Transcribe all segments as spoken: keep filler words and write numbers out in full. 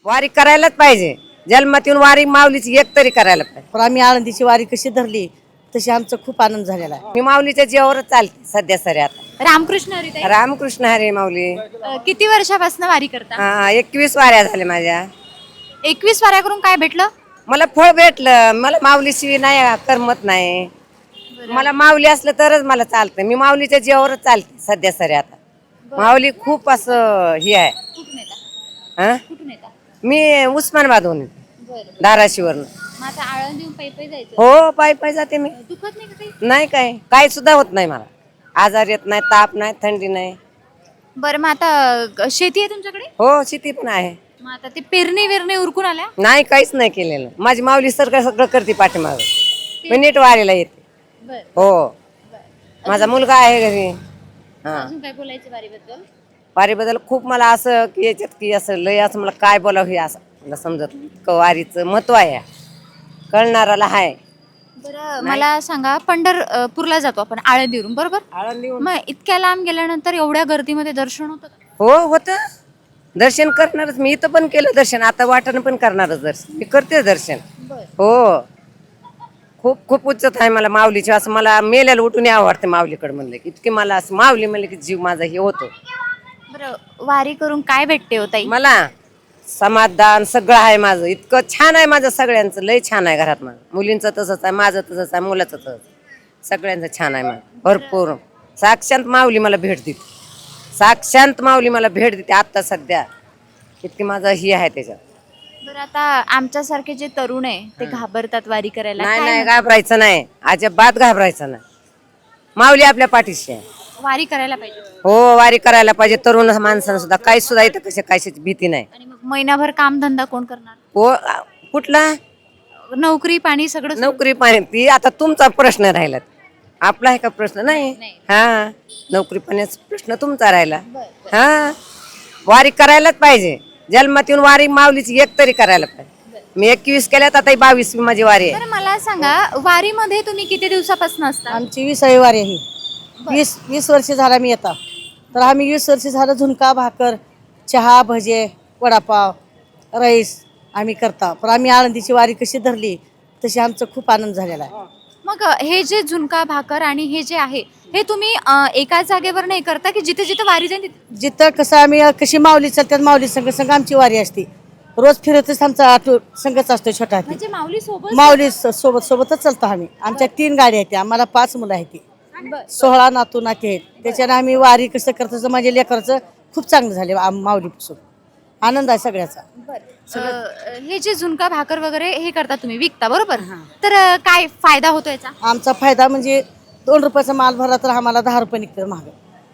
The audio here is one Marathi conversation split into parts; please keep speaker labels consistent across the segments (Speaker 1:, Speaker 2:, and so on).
Speaker 1: वारी करायलाच पाहिजे. जन्मातून वारी माऊलीची एक तरी करायला पाहिजे.
Speaker 2: पण आम्ही आळंदीची वारी कशी धरली तशी आमचा खूप आनंद झालेला आहे.
Speaker 1: मी माऊलीच्या जीवावरच चालते सध्या सरी आता.
Speaker 3: रामकृष्ण हरी ताई,
Speaker 1: रामकृष्ण हरी माऊली.
Speaker 3: अ, किती वर्षापासून वारी करता?
Speaker 1: हा एकवीस वाऱ्या झाल्या माझ्या.
Speaker 3: एकवीस वाऱ्या करून काय भेटलं?
Speaker 1: मला फळ भेटलं. मला माऊलीशिवाय नाही करमत नाही. मला माऊली असलं तरच मला चालतं. मी माऊलीच्या जीवावरच चालते सध्या सरी आता. माऊली खूप असं हे आहे.
Speaker 3: कुठून येता?
Speaker 1: हा
Speaker 3: कुठून येता?
Speaker 1: मी उस्मानाबादहून
Speaker 3: बरं.
Speaker 1: धाराशिवरून.
Speaker 3: मग आता आळंदीहून पायी पायी जायचं?
Speaker 1: हो पायी पायी जाते मी.
Speaker 3: दुखत नाही का काही?
Speaker 1: नाही काय काय सुद्धा होत नाही मला. आजार येत नाही, ताप नाही, थंडी नाही.
Speaker 3: बरं, मग आता ग- शेती आहे तुमच्याकडे?
Speaker 1: हो शेती पण आहे.
Speaker 3: मग आता ते पेरणी विरणी उरकून आल्या?
Speaker 1: नाही काहीच नाही केलेलं. माझी माऊली सगळं सगळं करते पाठीमाग. मी नीट वारीला येते.
Speaker 3: बरं.
Speaker 1: हो माझा मुलगा आहे घरी. हा
Speaker 3: अजून काय बोलायचं वारीबद्दल?
Speaker 1: वारीबद्दल खूप मला असं की याच्यात की असं लय असं मला काय बोलावं हे असं मला समजत नाही. इतकं वारीचं महत्व आहे. कळणाराला आहे.
Speaker 3: बरं, मला सांगा, पंढरपूरला जातो आपण आळंदीवरून, बरोबर?
Speaker 1: आळंदीहून
Speaker 3: मग इतक्या लांब गेल्यानंतर एवढ्या गर्दीमध्ये दर्शन होतं का?
Speaker 1: हो होतं. दर्शन करणारच मी. इथं पण केलं दर्शन. आता वाटानं पण करणारच दर्शन. मी करते दर्शन. हो खूप खूप उच्चत आहे मला माऊलीची. असं मला मेल्याला उठून यावं वाटतं माऊलीकडे म्हणलं की. इतकी मला असं माऊली म्हणलं की जीव माझा हे होतो.
Speaker 3: बरं, वारी करून काय भेटते हो ताई?
Speaker 1: मला समाधान सगळं आहे माझं. इतकं छान आहे माझं सगळ्यांचं. लय छान आहे घरात माझं. मुलींचं तसंच आहे, माझं तसंच आहे, मुलाचं तसंच. सगळ्यांचं छान आहे माझं भरपूर. साक्षात माऊली मला भेट देते. साक्षात माऊली मला भेट देते आत्ता सध्या. इतकी माझं ही आहे त्याच्यात.
Speaker 3: बरं, आता आमच्यासारखे जे तरुण आहे ते घाबरतात वारी करायला.
Speaker 1: नाही
Speaker 3: काय
Speaker 1: नाही
Speaker 3: म्हणतात?
Speaker 1: घाबरायचं नाही. अजिबात घाबरायचं नाही. माऊली आपल्या पाठीशी आहे.
Speaker 3: वारी करायला पाहिजे.
Speaker 1: हो वारी करायला पाहिजे. तरुण माणसांना सुद्धा काही सुद्धा इथं कशा कशाची भीती नाही.
Speaker 3: आणि मग महिनाभर काम धंदा कोण करणार?
Speaker 1: हो कुठला
Speaker 3: नोकरी पाणी सगळं सोडून.
Speaker 1: नोकरी पाणी ती आता तुमचा प्रश्न राहिला. आपला आहे का प्रश्न? नाही.
Speaker 3: नाही.
Speaker 1: हा नोकरी पाण्याचा प्रश्न तुमचा राहिला. हा वारी करायलाच पाहिजे. जन्मातून वारी माऊलीची एक तरी करायला पाहिजे. मी एकवीस केल्यात आता बावीस माझी वारी आहे.
Speaker 3: बरं, मला सांगा, वारीमध्ये तुम्ही किती दिवसापासून असता?
Speaker 2: आमची विसावी वारी आहे ही. वीस वीस वर्ष झाला मी येता. तर आम्ही वीस वर्ष झालं झुणका भाकर चहा भजे वडापाव राईस आम्ही करता. पण आम्ही आळंदीची वारी कशी धरली तशी आमचा खूप आनंद झालेला आहे.
Speaker 3: मग हे जे झुणका भाकर आणि हे जे आहे हे तुम्ही अ, एकाच जागेवर नाही करता की जिथे जिथे वारी जाईल तिथे?
Speaker 2: जिथं कसं आम्ही कशी माऊली चालतात माऊली संघ संघ आमची वारी असते. रोज फिरतच आमचा आठव संघच असतो छोटा हाती.
Speaker 3: म्हणजे माऊली सोबत?
Speaker 2: माऊली स- सोबत सोबतच चालतो आम्ही. आमच्या तीन गाड्या आहेत. आम्हाला पाच मुलं आहेत. ती सोळा नातू नाती आहेत. त्याच्यानं आम्ही वारी कसं करतो माझ्या लेकराचं खूप चांगलं झाले माऊलीपासून. आनंद आहे सगळ्याचा.
Speaker 3: अ, हे जे झुणका भाकर वगैरे हे करता तुम्ही विकता, बरोबर? तर अ, काय फायदा होतो याचा?
Speaker 2: आमचा फायदा म्हणजे दोन रुपयाचा माल भरला तर आम्हाला दहा रुपये निघतं महाग.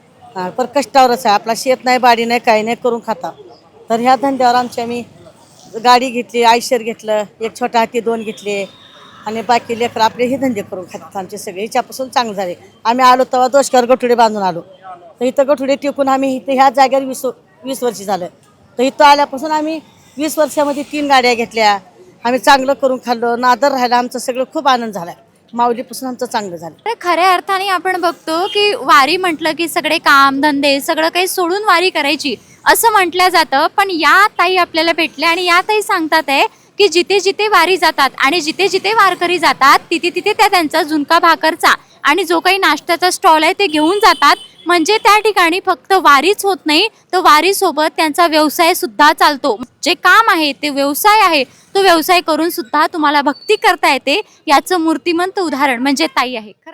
Speaker 2: हा पण कष्टावरच आहे. आपला शेत नाही बाडी नाही काही नाही करून खाता. तर ह्या धंद्यावर आमची आम्ही गाडी घेतली, आयशर घेतलं, एक छोटा हाती दोन घेतले आणि बाकी लेकर आपले हे धंदे करून खातात आमचे सगळे. हिच्यापासून चांगलं झाले. आम्ही आलो तेव्हा दोषकर गठुडे बांधून आलो. तर इथं गठुडे टिकून आम्ही इथं ह्या जागेवर वीस वीस वर्ष झालं. तर इथं आल्यापासून आम्ही वीस वर्षामध्ये तीन गाड्या घेतल्या. आम्ही चांगलं करून खाल्लो. नादर राहिला. आमचं सगळं खूप आनंद झाला. माऊलीपासून आमचं चांगलं झालं.
Speaker 3: तर खऱ्या अर्थाने आपण बघतो की वारी म्हटलं की सगळे काम धंदे सगळं काही सोडून वारी करायची असं म्हटलं जातं. पण या ताई आपल्याला भेटल्या आणि या ताई सांगतात आहे की जिथे जिथे वारी जातात आणि जिथे जिथे वारकरी जातात तिथे तिथे त्या त्यांचा झुणका भाकरचा आणि जो काही नाश्त्याचा स्टॉल आहे ते घेऊन जातात. म्हणजे त्या ठिकाणी फक्त वारीच होत नाही, तर वारीसोबत त्यांचा व्यवसाय सुद्धा चालतो. जे काम आहे ते व्यवसाय आहे, तो व्यवसाय करून सुद्धा तुम्हाला भक्ती करता येते. याचं मूर्तिमंत उदाहरण म्हणजे ताई आहे.